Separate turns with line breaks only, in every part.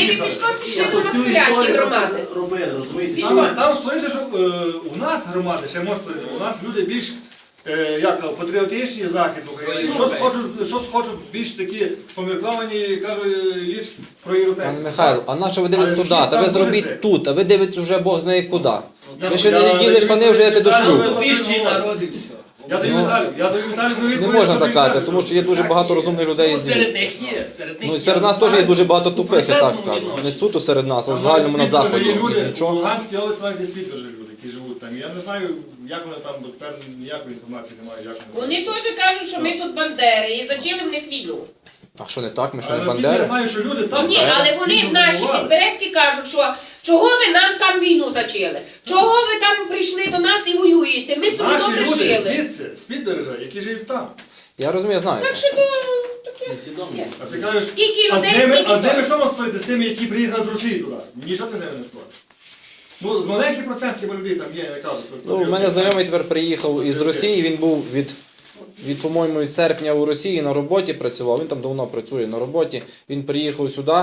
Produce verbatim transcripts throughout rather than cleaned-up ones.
ми пішком пішли до Москаля, ті громади. Пішком.
Там, там створити, що е, у нас громади, ще може створити, у нас люди більш е, як, патріотичні захід України, щось хочуть, щось хочуть більш такі помірковані, кажуть, ліч про європейську.
Пане Михайло, а на що ви дивитесь
Але
туди?
світ
Та ви
там дуже
зробіть
прик.
тут, а ви дивитесь вже Бог знає куди.
Я-
Ви ще
я
не діли
даю
штани, вже йдете до
відповідь,
шлюбу.
я
Вищий народ і все.
Я даю Віталію, я даю Віталію
Не
відповідь,
можна
що
так казати,
він
тому що є дуже багато розумних людей.
Ну,
з
серед них є, серед них
Ну і
є.
серед нас теж є дуже багато тупих, я так
процентному
скажу. Не
відношенні.
суто серед нас, а в
Там
загальному на
навіть спільно
заході.
є люди,
Їх
в
нічого.
Луганській області навіть не спільно живуть люди, які живуть там. Я не знаю, як вони там, бо тепер ніякої інформації немає, як
Вони теж кажуть, що ми тут бандери і зачали в них війну.
А що не так? Ми що
Але
не
наскільки я
бандери?
знаю, що люди
Ні,
там...
ні, але вони
більше
наші
забували.
підберезки кажуть, що чого ви нам там війну зачали? Чого ви там прийшли до нас і воюєте? Ми собі
Наші
добре
люди
жили.
звідси, з підбережжя, які живуть там.
Я розумію, знаю.
Так що то таке. Є.
А ти кажеш,
Скільки
а з
людей,
ними,
скільки
а з ними
того?
що можна створити? З тими, які приїхали з Росії туди? Нічого ти з ними не створиш. Ну, з маленький процент хіба людей там є, я кажу.
Ну, у мене знайомий тепер приїхав із Росії, він був від, від, по-моєму, від серпня у Росії на роботі працював, він там давно працює на роботі. Він приїхав сюди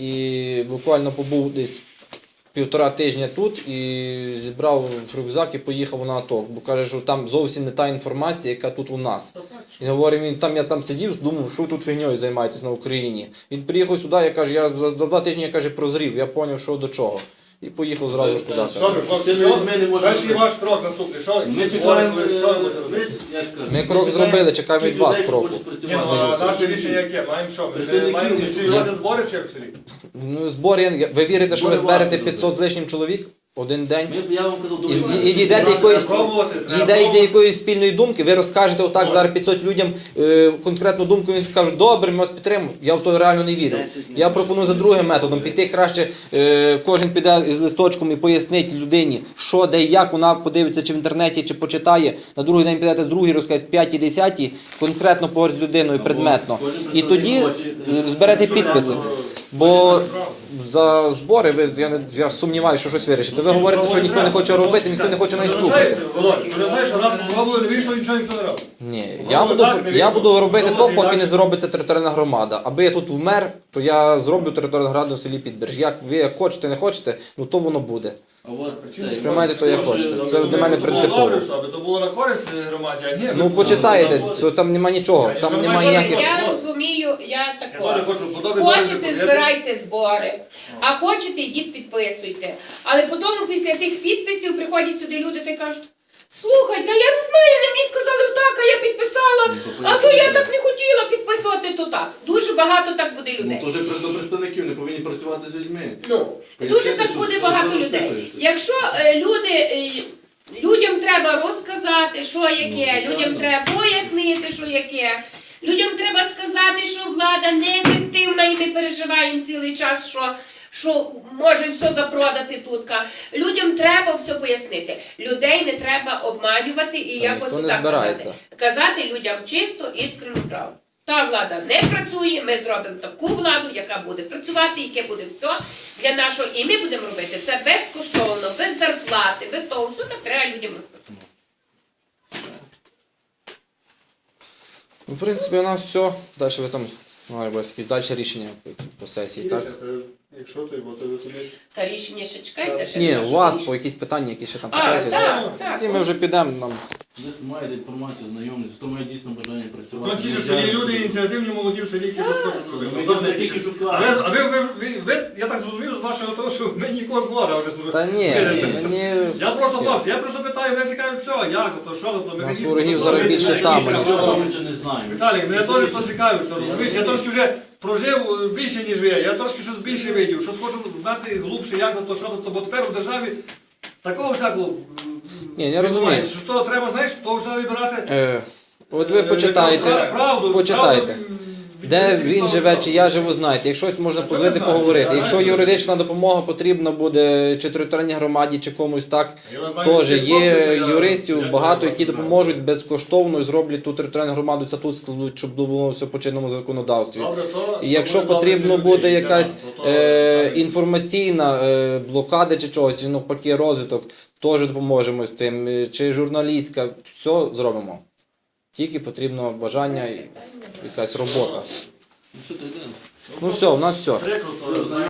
і буквально побув десь півтора тижня тут і зібрав рюкзак і поїхав на АТО. Бо каже, що там зовсім не та інформація, яка тут у нас. Він говорить, він там я там сидів, думав, що ви тут фігньою займаєтесь на Україні. Він приїхав сюди, я каже, я за, за два тижні я каже, прозрів, я зрозумів, що до чого. І поїхав зразу ж туди.
Що ви, хлопці, що? Далі ваш крок наступний. Що?
Ми чекаємо,
Що ви будете
ми,
робити?
як кажуть,
Ми крок зробили, чекаємо від вас кроку.
Ні, ну, а наше рішення яке? Маємо що? Ми не
Представників
маємо
не
ініціювати збори чи як в селі?
Ну, збори, ви вірите, що ви
Збори
зберете
важко
п'ятсот з лишнім чоловік один день?
Ми, я вам казав,
І,
дуже
і, і дійдете якоїсь,
пробувати, треба
дійдете
пробувати.
якоїсь спільної думки, ви розкажете отак зараз п'ятсот людям е, конкретну думку, і скажуть, добре, ми вас підтримуємо. Я в то реально не вірю. Я пропоную за другим методом піти краще, е, кожен піде з листочком і пояснить людині, що, де і як, вона подивиться чи в інтернеті, чи почитає. На другий день підете з другий, розкажете п'ятій, десятій, конкретно поговорити з людиною предметно. І тоді е, зберете підписи. Бо за збори, ви, я, не- я сумніваюся, що щось вирішите. Ви говорите, що ніхто не хоче робити, ніхто не хоче навіть слухати.
Володь, ти не знаєш, що раз спробували, не вийшло, нічого ніхто не робить.
Ні, я буду, я буду робити то, поки не зробиться територіальна громада. Аби я тут вмер, то я зроблю територіальну громаду в селі Підбережжя. Як ви як хочете, не хочете, ну то воно буде.
А от це,
Сприймайте то, як хочете. Це для мене
Аби то було
принципово.
добре все, аби то було на користь громаді, а ні.
Ну
ви-
почитайте, це там нема нічого, там немає ніяких.
Я розумію, я
Я
такого.
теж хочу подобати.
Хочете, збирайте збори, а хочете, йдіть підписуйте. Але потім після тих підписів приходять сюди люди та й кажуть, слухай, та я не знаю, вони мені сказали так, а я підписала, а то я так не хотіла підписувати, то так. Дуже багато так буде
ну,
людей.
то вже до представників не повинні працювати з людьми.
Ну, дуже так
що-
буде
що-
багато
що
людей.
розписуєшся?
Якщо е, люди, е, людям треба розказати, що яке,
Ну,
людям
так.
треба пояснити, що яке, людям треба сказати, що влада неефективна і ми переживаємо цілий час, що, що може все запродати тут. Людям треба все пояснити. Людей не треба обманювати і
Та
якось
ніхто не
отак
збирається.
казати. Казати людям чисто, іскренну правду. Та влада не працює, ми зробимо таку владу, яка буде працювати, яке буде все для нашого. І ми будемо робити це безкоштовно, без зарплати, без того. Все так треба людям розказати.
Ну, в принципі, у нас все. Далі ви там має бути якісь далі рішення по, по сесії, так?
Якщо ти, бо ти за собі...
Та рішення ще чекайте. Ще
Ні,
не
у вас по якісь питання, які ще там по
А,
сесії.
так, так.
І ми вже підемо нам.
Десь маєте інформацію, знайомість, хто має дійсно бажання працювати.
Ну, ті ж, що є люди ініціативні, молоді в селі, які щось хочуть зробити.
Ми
Ну, добре,
тільки
які-
шукаємо.
А ви, а ви, ви, ви, ви, я так зрозумів з вашого того, що ми нікого згода вже зробили.
Та ні, мені...
Я просто, хлопці, я просто питаю, мене цікавить все, як то, що то,
Нас
механізм.
ворогів
то,
зараз
то,
більше
то,
там,
то,
ніж
то,
там.
Ми ще не знаємо.
Віталій, мене теж поцікавиться, розумієш? Я трошки вже прожив е, більше, ніж ви, я трошки щось більше видів, щось хочу знати глубше, як то, що то, бо тепер у державі такого всякого
Ні, я розумію.
що то треба, знаєш, то все вибирати.
Е, от ви
е,
почитайте,
правду,
почитайте.
правду,
Де
від- від
він
того
живе,
всього.
чи я живу, знаєте. Якщо можна
Це
позвонити,
ми знаємо,
поговорити.
я
Якщо
знаю.
юридична допомога потрібна буде чи територіальній громаді, чи комусь так,
Я знаю,
теж
тих хлопців, що
є
я-
юристів
я-
багато,
я
які
знаю.
допоможуть безкоштовно і зроблять ту територіальну громаду, це тут складуть, щоб було все по чинному законодавстві.
Добре, то,
І якщо
щоб ми
потрібно
добре
буде
людей,
якась
для нас, то
е,
самі.
інформаційна е, блокада чи чогось, чи навпаки розвиток, теж допоможемо з тим, е, чи журналістська, все зробимо. Тільки потрібно бажання і якась робота.
Ну, що ти йдемо?
Ну все, у нас все.
Прикро, то,